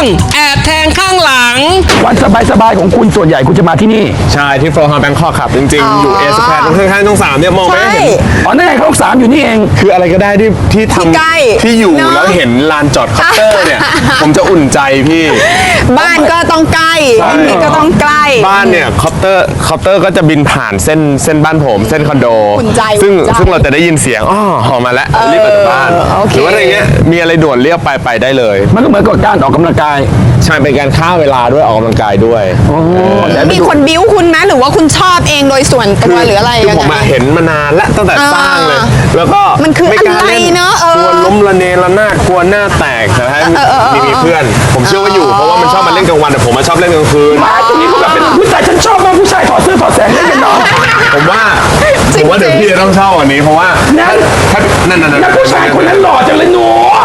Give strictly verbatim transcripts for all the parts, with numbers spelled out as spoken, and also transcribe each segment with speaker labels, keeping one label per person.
Speaker 1: แอบแทงข้างหลัง
Speaker 2: วันสบายๆของคุณส่วนใหญ่คุณจะมาที่นี่
Speaker 3: ใช่ที่โฟล์ฮาร์แบงคอกครับจริงๆอยู่เอสแพดตรงข้างๆตรงสามเนี่ยมองไปเห็น
Speaker 2: อ๋อนั่นไงห้องสามอยู่นี่เอง
Speaker 3: คืออะไรก็ได้ที่ที่ทำที่อยู่แล้วเห็นลานจอดคอปเตอร์เนี่ยผมจะอุ่นใจพี่
Speaker 4: บ้านก็ต้องใกล้นี่ก็ต้องใกล้
Speaker 3: บ้านเนี่ยคอปเตอร์คอปเตอร์ก็จะบินผ่านเส้นเส้นบ้านผมเส้นคอนโดซึ่งซึ่งเราจะได้ยินเสียงอ๋อหอมมาแล้วรีบไปจากบ้านหรือว่าอะไรเงี้ยมีอะไรด่วนเรียกไปไปได้เลย
Speaker 2: มันก็เหมือนกับการออกกำลังกาย
Speaker 3: ใช่เป็นการฆ่าเวลาด้วยออกกำลังกายด้วย
Speaker 4: มีคนบิ้วคุณไหมหรือว่าคุณชอบเองโดยส่วนตัวหรืออะไร
Speaker 3: คือผมเห็นมานานแล้วตั้งแต่สร้างเลยแล้วก็
Speaker 4: มันคืออะไรเนาะ
Speaker 3: กลัวล้มระเนระนาดกลัวหน้าแตกแต่ถ้ามีมีเพื่อนผมเชื่อว่าอยู่เพราะว่ามันชอบมาเล่นกลางวันแต่ผมมาชอบเล่นกลางคืน
Speaker 2: มาตรงนี้ก็แบบเป็นผู้ชายฉันชอบมากผู้ชายถอดเสื้อถอดแสงเล่นกันเนาะ
Speaker 3: ผมว่าผมว่าเดี๋ยวพี่จะต้องเช่าอันนี้เพราะว่าถ้านั่นนั่น
Speaker 2: นั่นผู้ชายคนนั้นหล่อจังเลยหนู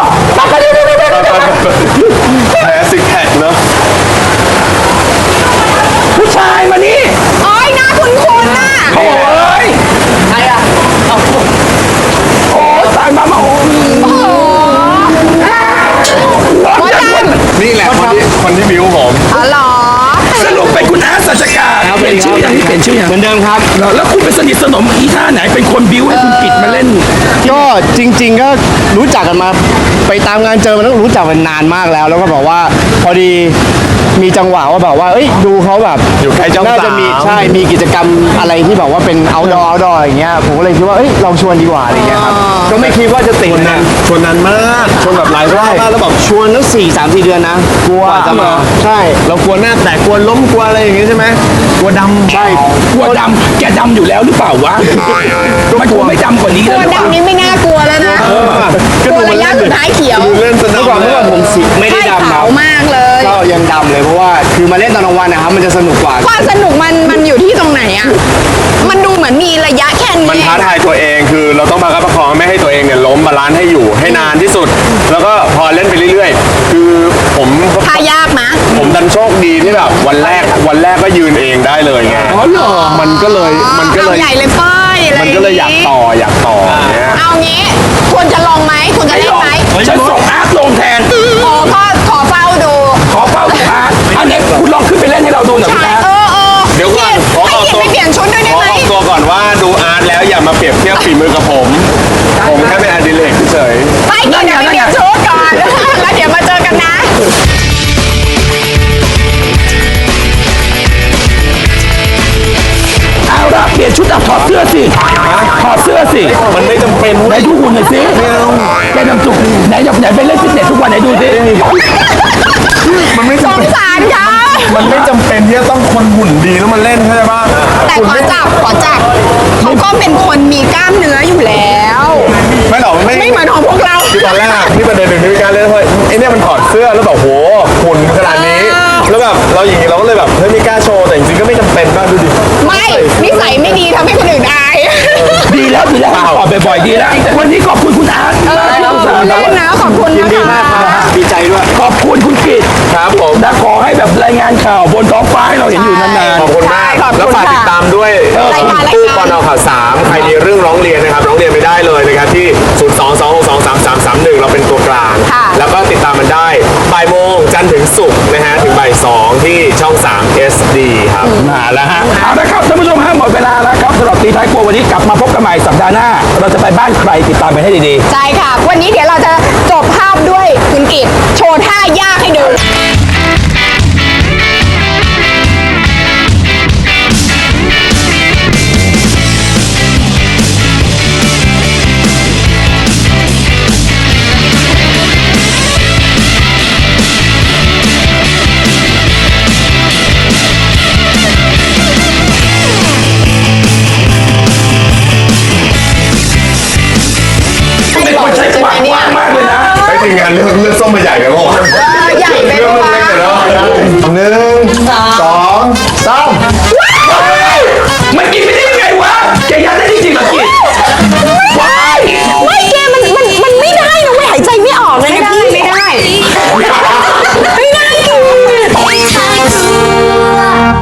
Speaker 3: แพ้ซิกแพคเนาะ
Speaker 2: ผู้ชายมานี่
Speaker 4: โอ้ยหน้าคุ้นๆน่ะ
Speaker 2: โอ้ยใครอ่ะโอ้ตายมามาโอ้
Speaker 3: นี่แหละคนที่คนที่บิ้วผม
Speaker 4: อ๋อเหรอ
Speaker 2: สรุปเป็นคุณอาสัจการเปลี่ยนชื่อยังเปลี่ยนชื่อยัง
Speaker 3: เหมือนเดิมครับ
Speaker 2: แล้วคุณไปสนิทสนมอีท่าไหนเป็นคนบิ้วให้คุณกิจมาเล่น
Speaker 5: ก็จริงๆก็รู้จักกันมาไปตามงานเจอมันต้องรู้จักกันนานมากแล้วแล้วก็บอกว่าพอดีมีจังหวะว่าแบบว่าเอ้ยดูเขาแบบ
Speaker 3: อยู่ใกล้เจ้าสาว
Speaker 5: น่าจะมีใช่มีกิจกรรมอะไรที่แบบว่าเป็น outdoor outdoor อย่างเงี้ยผมก็เลยคิดว่าเอ้ยลองชวนดีกว่าอะไรเงี้ยครับก็ไม่คิดว่าจะติดนะ
Speaker 3: ชวนนานมากชวนแบบหลายรอบแล้วแบบ
Speaker 5: ชวนตั้งสี่สามสี่เดือนนะ
Speaker 3: กลัว
Speaker 5: จะมาใช่
Speaker 3: เรากลัวหน้าแตกกลัวล้มกลัวอะไรอย่างเงี้ยใช่ไหมกลัวดำ
Speaker 5: ใช่
Speaker 2: กลัวดำแกดำอยู่แล้วหรือเปล่าวะมันกลัวไม่ดำกว่านี้
Speaker 4: แล้ว
Speaker 2: กลัว
Speaker 4: ดำนี้ไม่น่ากลัวแล้วนะกลัวระยะสุดท้ายเขียว
Speaker 3: เล่นสนาม
Speaker 5: เมื่อก่อนเมื่อก่อนผมสีไม่ได้ดำ
Speaker 4: ขาวมากเลย
Speaker 5: ก็ยังดำเลยเพราะว่าคือมาเล่นตอนกลางวันนะครับมันจะสนุกกว่า
Speaker 4: ความสนุกมันมันอยู่ที่ตรงไหนอ่ะมันดูเหมือนมีระยะแค่นี้
Speaker 3: มันท้าทายตัวเองคือเราต้องมาคับประคองไม่ให้ตัวเองเนี่ยล้มบาลานซ์ให้อยู่ให้นานที่สุดแล้วก็พอเล่นไปเรื่อยๆคือผม
Speaker 4: ท่ายากนะ
Speaker 3: ผมดันโชคดีที่แบบวันแรกวันแรกก็ยืนเองได้เลยไง
Speaker 2: อ๋อเหรอ
Speaker 3: มันก็เลยมันก็เลย
Speaker 4: ใหญ่เลยป้ายอะไร
Speaker 3: มันก็เลยอยากต่ออยากต่อเนี่ย
Speaker 4: เอางี้ควรจะลองไหมควรจะเล่นไหม
Speaker 2: ฉันส่งอาร์ตลงแทน
Speaker 4: โอ้ก็ขอเฝ้าดู
Speaker 2: ขอเฝ้าดูอาร์ตอันนี้คุณลองขึ้นไปเล่นให้เราดูหน่อยคุณอาร์ต
Speaker 3: เดี๋ยวก่อนขอ
Speaker 4: ออกตัวไปเปลี่ยนชุดด้วยได้ไหม
Speaker 3: ขอออกตัวก่อนว่าดูอาร์ตแล้วอย่ามาเปรียบเทียบฝีมือกับผมผมแค่เป็นอดิเรกเฉย
Speaker 4: ไปเดี๋ยวไปเปลี่ยนชุดก่อนแล้วเดี๋ยวมาเจอกันนะ
Speaker 2: เอาละเปลี่ยนชุดอ่ะถอดเสื้อสิถอดเสื้อสิ
Speaker 3: มันไม่จำเป็น
Speaker 2: ไหนดูหุ่นหน่อยสิแกนำจุกไหนไหนไปเล่นฟิตเนสทุกวันไหนดูสิ
Speaker 3: มันไม่
Speaker 4: สงสารเขา
Speaker 3: มันไม่จำเป็นที่จะต้องคนหุ่นดีแล้วมันเล่นใช่ไหม
Speaker 4: แต่ขอจับขอจับเขาก็เป็นคนมีกล้ามเนื้ออยู่แล้ว
Speaker 3: ไม่หรอกไม่
Speaker 4: ไม่เหมือนของพวกเรา
Speaker 3: ที่ตอนแรกที่ประเด็นหนึ่งที่การเล่นเพราะไอ้เนี่ยมันถอดเสื้อแล้วแบบโหหุ่นขนาดนี้แล้วแบบเราอย่างนี้เราก็เลยแบบเฮ้ยไม่กล้าโชว์แต่จริงๆก็ไม่จำเป็นมากดูดิ
Speaker 4: ไม่นิสัยไม่ดีทำให้คนอื่นอาย
Speaker 2: ดีแล้วดีแล้วถอดบ่อยๆดีแล้ววันนี้ขอบคุณคุณอาร์ต
Speaker 4: เล่นนะขอบคุณ
Speaker 5: ยินดีมากครับดีใจด้วย
Speaker 2: ขอบคุณคุณกิต
Speaker 3: ครับผม
Speaker 2: และขอให้แบบรายงานข่าวบนท้องฟ้าให้เราเห็นอยู่นาน
Speaker 3: ๆขอบคุณมากแล้วฝากติดตามด้วยตู้ปนข่าวสามใครมีเรื่องร้องเรียนนะครับร้องเรียนไม่ได้เลยนะครับที่ศูนย์ สอง สอง หก สอง สาม สาม สาม หนึ่งเราเป็นตัวกลางแล้วก็ติดตามมันได้บ่ายโมงจันทร์ถึงศุกร์นะฮะถึงบ่ายสองที่ช่องสาม เอส ดี ครับ
Speaker 2: มาแล้วฮะเอาละครับท่านผู้ชมฮะหมดเวลาแล้วครับสำหรับตีท้ายครัววันนี้กลับมาพบกันใหม่สัปดาห์หน้าเราจะไปบ้านใครติดตามไปให้ดี
Speaker 4: ๆใช่ค่ะวันนี้เดี๋ยวเราจะจบภาพด้วยคุณกิตโชว์ท่ายากให้ดู